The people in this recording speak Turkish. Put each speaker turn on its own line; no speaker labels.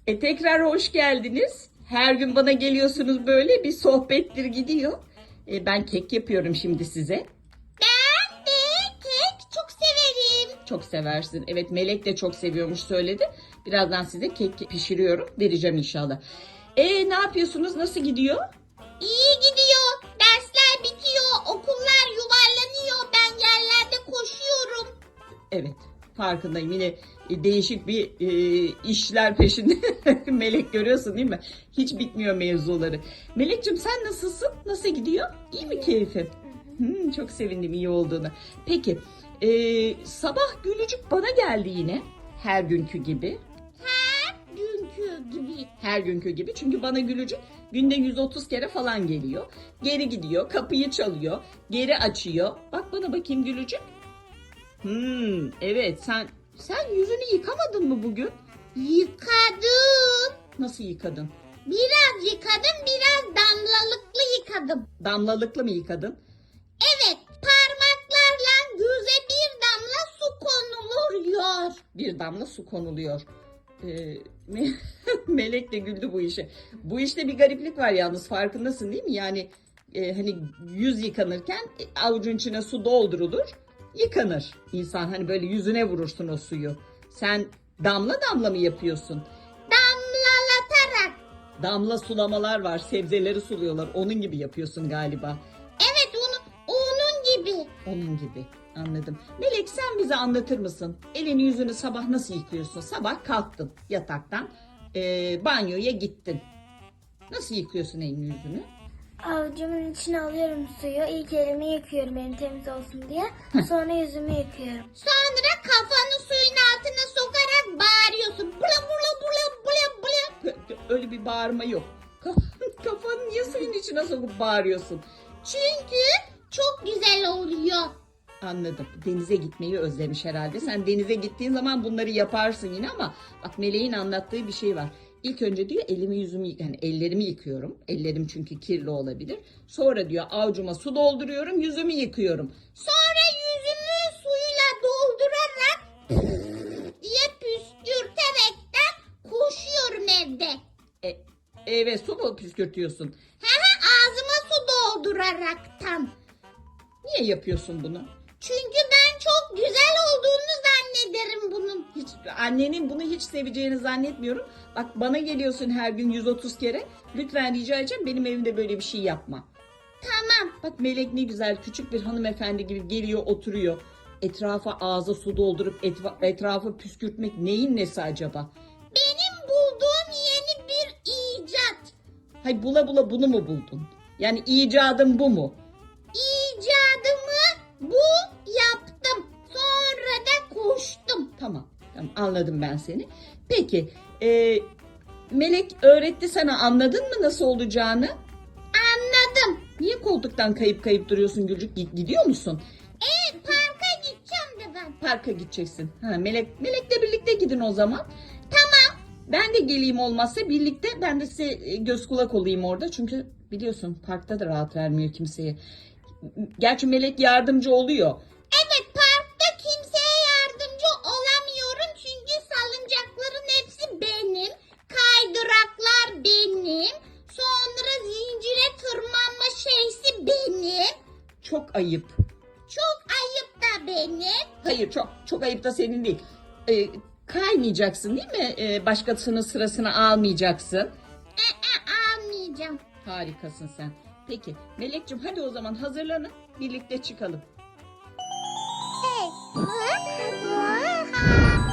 Tekrar hoş geldiniz. Her gün bana geliyorsunuz, böyle bir sohbettir gidiyor. Ben kek yapıyorum şimdi size.
Ben de kek çok severim.
Çok seversin. Evet, Melek de çok seviyormuş, söyledi. Birazdan size kek pişiriyorum. Vereceğim inşallah. Ne yapıyorsunuz? Nasıl gidiyor?
İyi gidiyor. Dersler bitiyor. Okullar yuvarlanıyor. Ben yerlerde koşuyorum.
Evet, farkındayım. Yine değişik bir işler peşinde. Melek, görüyorsun değil mi? Hiç bitmiyor mevzuları. Melek'cim, sen nasılsın? Nasıl gidiyor? İyi mi keyfin? Çok sevindim iyi olduğuna. Peki, sabah Gülücük bana geldi yine. Her günkü gibi.
Dünkü gibi.
Her günkü gibi. Çünkü bana Gülücük günde 130 kere falan geliyor. Geri gidiyor, kapıyı çalıyor, geri açıyor. Bak bana bakayım Gülücük. Evet, sen yüzünü yıkamadın mı bugün?
Yıkadım.
Nasıl yıkadın?
Biraz yıkadım, biraz damlalıklı yıkadım.
Damlalıklı mı yıkadın?
Evet, parmaklarla göze bir damla su konuluyor.
Bir damla su konuluyor. Melek de güldü bu işe. Bu işte bir gariplik var yalnız, farkındasın değil mi? Yani hani yüz yıkanırken avucun içine su doldurulur, yıkanır insan. Hani böyle yüzüne vurursun o suyu. Sen damla damla mı yapıyorsun?
Damlalatarak.
Damla sulamalar var, sebzeleri suluyorlar. Onun gibi yapıyorsun galiba.
Evet, onun gibi.
Onun gibi. Anladım. Melek, sen bize anlatır mısın? Elini yüzünü sabah nasıl yıkıyorsun? Sabah kalktın yataktan, banyoya gittin. Nasıl yıkıyorsun elini yüzünü?
Avucumun içine alıyorum suyu. İlk elimi yıkıyorum elim temiz olsun diye. Sonra yüzümü yıkıyorum.
Sonra kafanı suyun altına sokarak bağırıyorsun. Bula bula bula bula bula.
Öyle bir bağırma yok. Kafanı niye suyun içine sokup bağırıyorsun?
Çünkü çok güzel oluyor.
Anladım. Denize gitmeyi özlemiş herhalde. Sen denize gittiğin zaman bunları yaparsın yine, ama bak, Meleğin anlattığı bir şey var. İlk önce diyor elimi yüzümü, yani ellerimi yıkıyorum. Ellerim çünkü kirli olabilir. Sonra diyor avucuma su dolduruyorum, yüzümü yıkıyorum.
Sonra yüzümü suyla doldurarak diye püskürterekten koşuyorum evde.
Evet, su mu püskürtüyorsun?
Ağzıma su dolduraraktan.
Niye yapıyorsun bunu?
Çünkü ben çok güzel olduğunu zannederim bunun.
Hiç, annenin bunu hiç seveceğini zannetmiyorum. Bak, bana geliyorsun her gün 130 kere. Lütfen rica edeceğim, benim evimde böyle bir şey yapma.
Tamam.
Bak Melek ne güzel, küçük bir hanımefendi gibi geliyor, oturuyor. Etrafa ağza su doldurup etrafı püskürtmek neyin nesi acaba?
Benim bulduğum yeni bir icat.
Hay, bula bula bunu mu buldun? Yani icadın bu mu?
İcadımı bu yaptım. Sonra da koştum.
Tamam, anladım ben seni. Peki, Melek öğretti sana, anladın mı nasıl olacağını?
Anladım.
Niye koltuktan kayıp kayıp duruyorsun Gülcük? Gidiyor musun?
Parka gideceğim de ben.
Parka gideceksin. Melek'le birlikte gidin o zaman.
Tamam.
Ben de geleyim, olmazsa birlikte. Ben de size göz kulak olayım orada. Çünkü biliyorsun parkta da rahat vermiyor kimseye. Gerçi Melek yardımcı oluyor.
Evet, parkta kimseye yardımcı olamıyorum. Çünkü salıncakların hepsi benim. Kaydıraklar benim. Sonra zincire tırmanma şeysi benim.
Çok ayıp.
Çok ayıp da benim.
Hayır, çok ayıp da senin değil. Kaymayacaksın değil mi? Başkasının sırasını almayacaksın.
Almayacağım.
Harikasın sen. Peki Melek'ciğim, hadi o zaman hazırlanın. Birlikte çıkalım.
Hey.